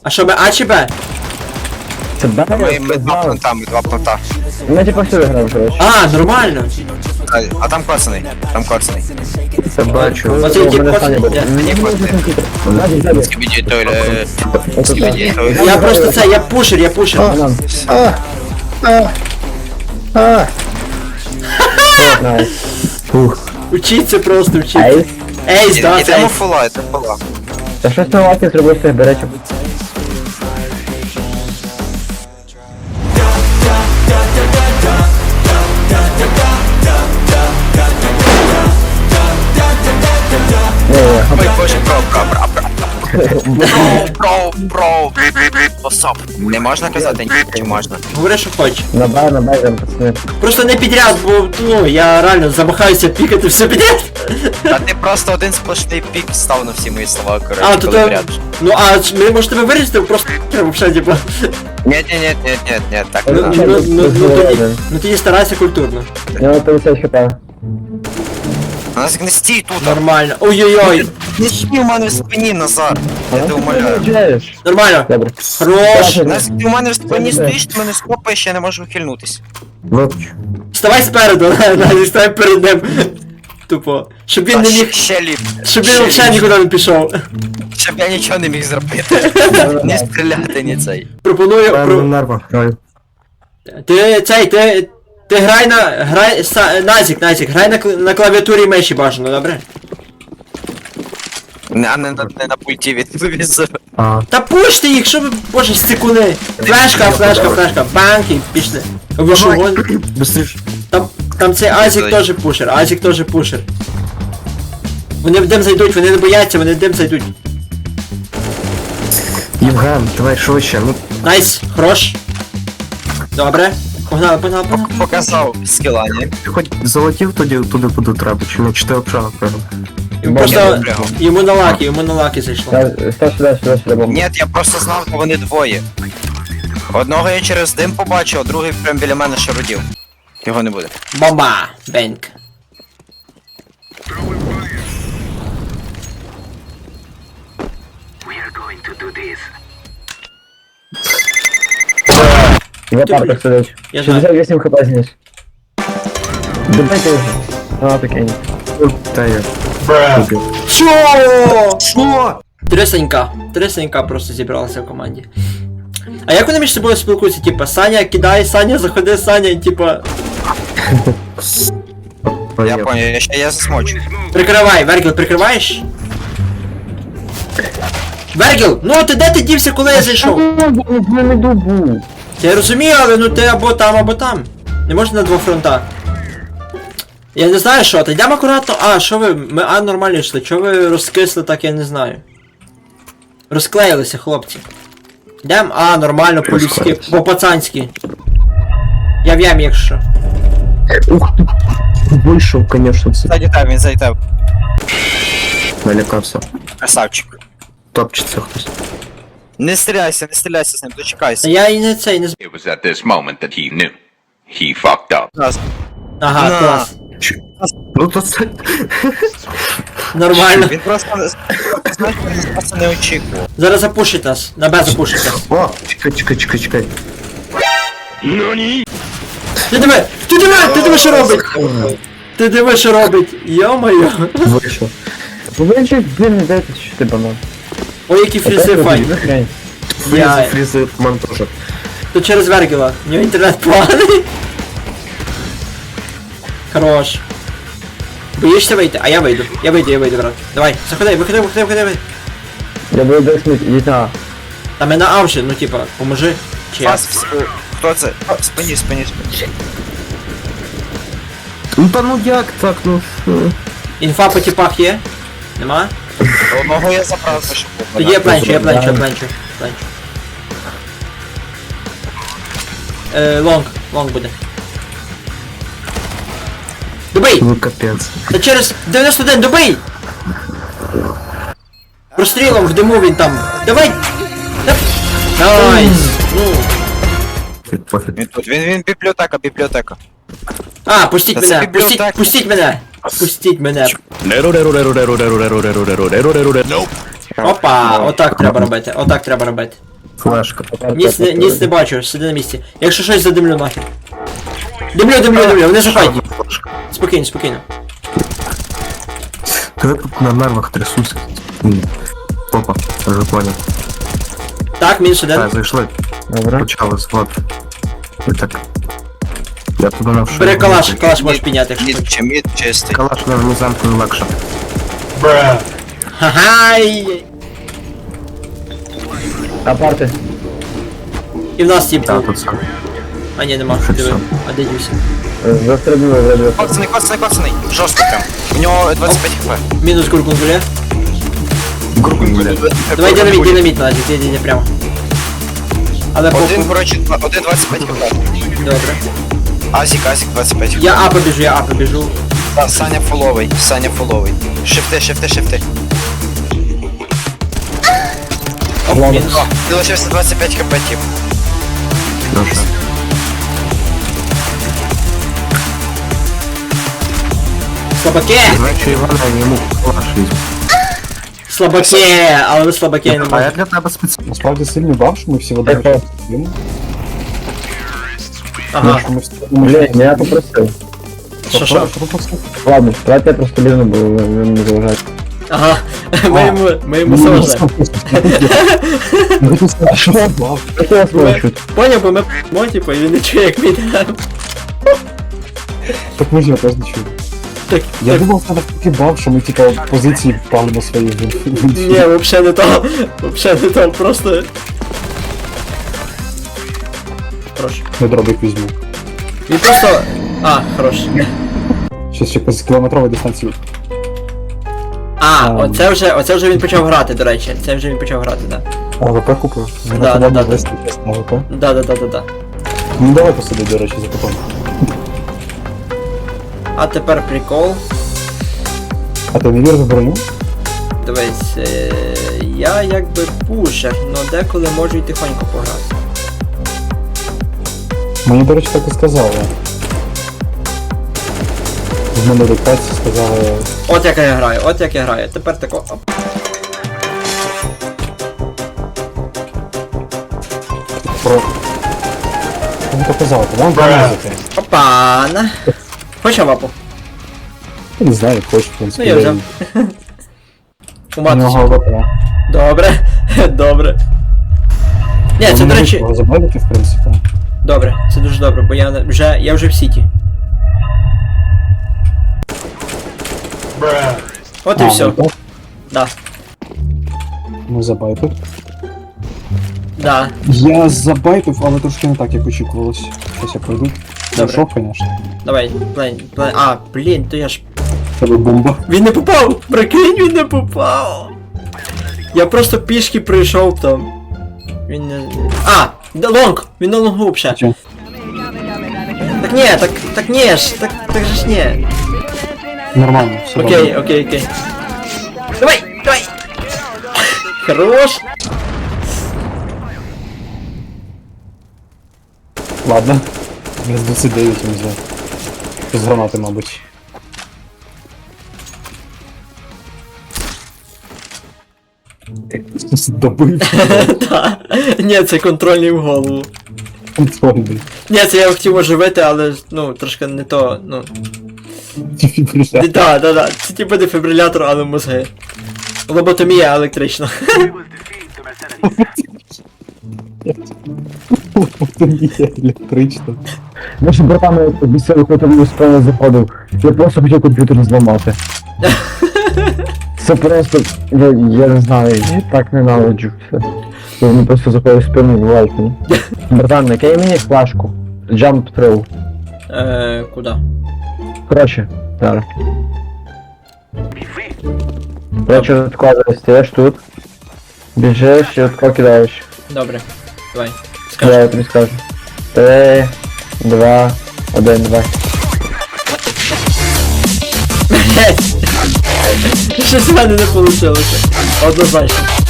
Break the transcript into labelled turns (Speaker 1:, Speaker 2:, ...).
Speaker 1: А що, А чи Б?
Speaker 2: Це Б?
Speaker 3: Ми два планта.
Speaker 2: Ми типа всюди граємо, коротше.
Speaker 1: А, нормально.
Speaker 3: А там коцаний.
Speaker 2: Це бачу.
Speaker 1: Оце ті коцані.
Speaker 3: Скибіді тойлет. Скибіді тойлет.
Speaker 1: Я просто це, я пушер.
Speaker 2: Найс.
Speaker 1: Учіться просто, учіться.
Speaker 2: Ейс.
Speaker 1: Ейс, да, це
Speaker 3: Ідемо
Speaker 1: ейс.
Speaker 3: фула.
Speaker 2: Та щось на лакі зробив з тих беречок.
Speaker 3: Ой, боже, бро. What's up? Не можна казати, чи можна?
Speaker 1: Говори, що хочеш.
Speaker 2: На Б, пацани.
Speaker 1: Просто не підряд, бо, ну, я реально замахаюся пікати все підряд.
Speaker 3: Та ти просто один сплошний пік став на всі мої слова,
Speaker 1: А,
Speaker 3: коротше,
Speaker 1: то
Speaker 3: коли
Speaker 1: то...
Speaker 3: вряд.
Speaker 1: Ну, а ми, може, тебе вирізати, просто взагалі, типа.
Speaker 3: Ні, так
Speaker 1: Ну,
Speaker 3: не
Speaker 1: ну,
Speaker 3: надо.
Speaker 1: ну, тоді старайся культурно.
Speaker 2: У нього 50 хп.
Speaker 3: У нас не стій тут.
Speaker 1: Нормально. Ой-ой-ой.
Speaker 3: Не стій у мене в спині, Назар. Я тебе умоляю.
Speaker 1: Нормально.
Speaker 2: Добре.
Speaker 1: Хорош.
Speaker 3: Нас ти у мене в спині стоїш, ти мене скопаєш, я не можу ухильнутись.
Speaker 1: Вставай спереду, Назі, ставай перед ним. Тупо. Щоб він не міг...
Speaker 3: Ще ліп.
Speaker 1: Щоб він взагалі нікуди не пішов.
Speaker 3: Щоб я нічого не міг зробити. Не стріляти, ні цей.
Speaker 1: Пропоную...
Speaker 2: Нерва, граю.
Speaker 1: Ти грай Назік, грай на клавіатурі миші бажано, добре?
Speaker 3: А не на пульті від телевізора.
Speaker 1: Та пушти їх, що ви, боже, стикуни. Флешка, банк і пішли. Ви що, гон?
Speaker 2: Быстріше.
Speaker 1: Там цей Азік теж пушер, Вони в дим зайдуть, вони не бояться, вони в дим зайдуть.
Speaker 2: Євген, давай швидше, ну.
Speaker 1: Найс, хорош. Добре. Погнали.
Speaker 3: Показав скіла, ні?
Speaker 2: Ти хоч залетів туди буде треба, чи не, чи ти обшав, напевно.
Speaker 1: Просто йому на лаки зайшло.
Speaker 2: Сюди, бомба.
Speaker 3: Ні, я просто знав, що вони двоє. Одного я через дим побачив, а другий прям біля мене шарудів. Його не буде.
Speaker 1: Бомба! Бенк.
Speaker 2: В парках сидить.
Speaker 1: Я знаю.
Speaker 2: 68 хп зніс. Добайте його. А, таке. Та я.
Speaker 1: Що? Тресенька просто зібралася в команді. А як вони між собою спілкуються? Типа, Саня кидає, Саня заходи, Саня, і типа...
Speaker 3: Я понял, я засмочу.
Speaker 1: Прикривай, Вергіл, прикриваєш? Вергіл, ну ти де ти дівся, коли я зайшов?
Speaker 2: Я не добу.
Speaker 1: Я розумію, але ну ти або там. Не можна на двох фронтах. Я не знаю що, та йдемо акуратно. А, що ви? Ми нормально йшли. Чого ви розкисли так, я не знаю. Розклеїлися, хлопці. Йдем? Нормально, по-людськи, по-пацанськи. Я в ямі, якщо.
Speaker 2: Ух ти. Вийшов, конечно, це.
Speaker 3: Він зайдав.
Speaker 2: Налякався.
Speaker 3: Красавчик.
Speaker 2: Топчеться хтось.
Speaker 3: Не стріляйся з ним, дочекайся.
Speaker 1: Я і не цей, не з...
Speaker 4: It was at this moment that he knew. He fucked up.
Speaker 1: Ага,
Speaker 3: На.
Speaker 1: клас.
Speaker 2: Ну то це...
Speaker 1: Нормально.
Speaker 3: Він просто, знаєш, він просто не очікував.
Speaker 1: Зараз запушить нас. На Б запушить нас.
Speaker 2: О, чекай.
Speaker 1: Ти диви, що робить? Ти диви, що робить. Йо-моє.
Speaker 2: Вийшов. Ви ще блін не дайте, що ти банан.
Speaker 1: Ой, які фрізи файні. Я-
Speaker 2: Фрізи ман теж.
Speaker 1: То через Вергіла. У нього інтернет поганий. Хорош. Боїшся вийти? А я вийду, брат. Давай, заходи, виходи.
Speaker 2: Я буду десмить, ідіть на.
Speaker 1: Та ми на А вже, ну типа, поможи. Чи я?
Speaker 3: Фас, хто це? Спині.
Speaker 2: Ну та ну як так, ну.
Speaker 1: Інфа по типах є? Нема?
Speaker 3: Одного я забрав, щоб
Speaker 1: Тоді я пленчу. Лонг буде. Добий!
Speaker 2: Ну капець.
Speaker 1: Та через 91, добий! Прострілом в диму він там. Давай! Найс! Ну.
Speaker 2: Пофіг.
Speaker 3: Він тут, він бібліотека.
Speaker 1: Пустіть
Speaker 3: Та
Speaker 1: мене!
Speaker 3: це бібліотека.
Speaker 1: Пустіть мене! Опа! Отак треба робити.
Speaker 2: Флешка.
Speaker 1: Ніц не бачу, сиди на місці. Якщо щось задимлю нахер. Димлю, вони заходять. Спокійно.
Speaker 2: Та я тут на нервах трясуся. Опа, вже понял.
Speaker 1: Так, мінус один.
Speaker 2: Так, зайшли.
Speaker 5: Добре.
Speaker 2: Почалось, вот. І так. Я туди навшив.
Speaker 1: Бери калаш можеш підняти, якщо
Speaker 3: Мід
Speaker 1: хочеш.
Speaker 3: чи мід чистий.
Speaker 2: Калаш на вниземку легше.
Speaker 1: Ха-хай!
Speaker 5: Апарти.
Speaker 1: І в нас тіп
Speaker 2: Так,
Speaker 1: був.
Speaker 2: тут все.
Speaker 1: А ні, нема.
Speaker 2: Що
Speaker 1: Диви.
Speaker 2: все?
Speaker 1: А де дівся?
Speaker 5: Застрибнули вже.
Speaker 3: Коцаний. Жорстко прям. У нього 25 хп.
Speaker 1: Мінус гуркунгуля.
Speaker 2: Гуркунгуля.
Speaker 1: Давай динаміт надо, йди прямо. Але
Speaker 3: Один,
Speaker 1: похуй.
Speaker 3: коротше, 1,25 хп.
Speaker 1: Добре.
Speaker 3: Азік 25 хп.
Speaker 1: Я А побіжу.
Speaker 3: Да, Саня фуловий. Шифти.
Speaker 1: Оп, мінус.
Speaker 3: Ти лишився 25 хп, тип.
Speaker 2: Добре.
Speaker 1: Слабаки!
Speaker 2: Значить, Івана, я йому калаш візьму.
Speaker 1: Слабаки! Але ви слабаки не
Speaker 2: А я
Speaker 1: можете.
Speaker 2: для тебе спеціально.
Speaker 6: Насправді сильний баф, що ми всі в одному
Speaker 5: Тихо.
Speaker 6: часі сидимо,
Speaker 1: Ага.
Speaker 6: що ми всі в одному
Speaker 5: Блін,
Speaker 6: часі.
Speaker 5: я попросив.
Speaker 1: Що?
Speaker 5: Ладно, давайте я просто лізну, бо ви не заважаєте.
Speaker 1: Ага. Ми йому
Speaker 6: Ну,
Speaker 1: заважаємо.
Speaker 6: Ну, ти сказав, що це баф.
Speaker 5: Як я вас можу чути?
Speaker 1: Поняв, бо ми типу, і він не чує, як ми йдемо.
Speaker 6: Так ми ж його теж не чули.
Speaker 1: Так,
Speaker 6: Я
Speaker 1: так.
Speaker 6: думав, це такий баф, що ми типа позиції впали на свої
Speaker 1: Ні, вообще не то. Вообще не то, просто. Хорош.
Speaker 6: Не дробик візьму.
Speaker 1: Він просто. А, хорош.
Speaker 6: Щось ще з кілометрової дистанції.
Speaker 1: А, оце вже він почав грати, до речі. Це вже він почав грати, да.
Speaker 6: А ВП купив? Він
Speaker 1: Да,
Speaker 6: на
Speaker 1: да.
Speaker 6: вести тест на ВП.
Speaker 1: Да.
Speaker 6: Ну давай посиди, до речі, за потом.
Speaker 1: А тепер прикол.
Speaker 6: А ти не віриш в броню?
Speaker 1: Дивись, я якби пушер, но деколи можу й тихонько пограти.
Speaker 6: Мені, до речі, так і сказали. В мене диктації сказали.
Speaker 1: От як я граю. Тепер тако. Оп.
Speaker 6: Про... Він то казав, то вам помазати.
Speaker 1: Опана. Хочеш вапу?
Speaker 6: Я не знаю, хочеш, в принципі.
Speaker 1: Ну я взяв. У матусі.
Speaker 6: ВП.
Speaker 1: Добре. Ні, це, до речі.
Speaker 6: Його забавити, в принципі.
Speaker 1: Добре, це дуже добре, бо я вже в сіті. От і все.
Speaker 6: ну так.
Speaker 1: Да.
Speaker 6: Ну забайтив.
Speaker 1: Да.
Speaker 6: Я забайтив, але трошки не так, як очікувалось. Щось я пройду.
Speaker 1: Добре.
Speaker 6: Шок, звісно.
Speaker 1: Давай, плен. А, блін, то я ж.
Speaker 6: Тебе бомба.
Speaker 1: Він не попав! Прикинь, він не попав! Я просто пішки прийшов там. Він не. А! Лонг! Він на лонгу взагалі.
Speaker 6: Чо?
Speaker 1: Так ні, так ні ж, так же ж ні.
Speaker 6: Нормально, все
Speaker 1: Окей. Давай! Хорош!
Speaker 6: Ладно. Без 29 не знаю. Без гранати, мабуть. Добив.
Speaker 1: Та. Ні, це контрольний в голову.
Speaker 6: Контрольний.
Speaker 1: Ні, це я хотів оживити, але ну, трошки не то, ну.
Speaker 6: Дефібриляція.
Speaker 1: Да. Це типу дефібрилятор, але мозги. Лоботомія електрична.
Speaker 6: Лоботомія електрична.
Speaker 5: Наші братами після виходу в справу заходив. Я просто хотів комп'ютер зламати. Це просто, я не знаю, я так ненавиджу все. Вони просто заходять в спину і бувають мені. Братан, накинь мені флешку. Jump throw.
Speaker 1: Куда?
Speaker 5: Коротше, зараз. Коротше, відкладаєш, стаєш тут. Біжиш і отко кидаєш.
Speaker 1: Добре. Давай.
Speaker 5: Я тобі скажу. 3, 2, 1, 2.
Speaker 1: Щось в мене не вийшло. Однозначно.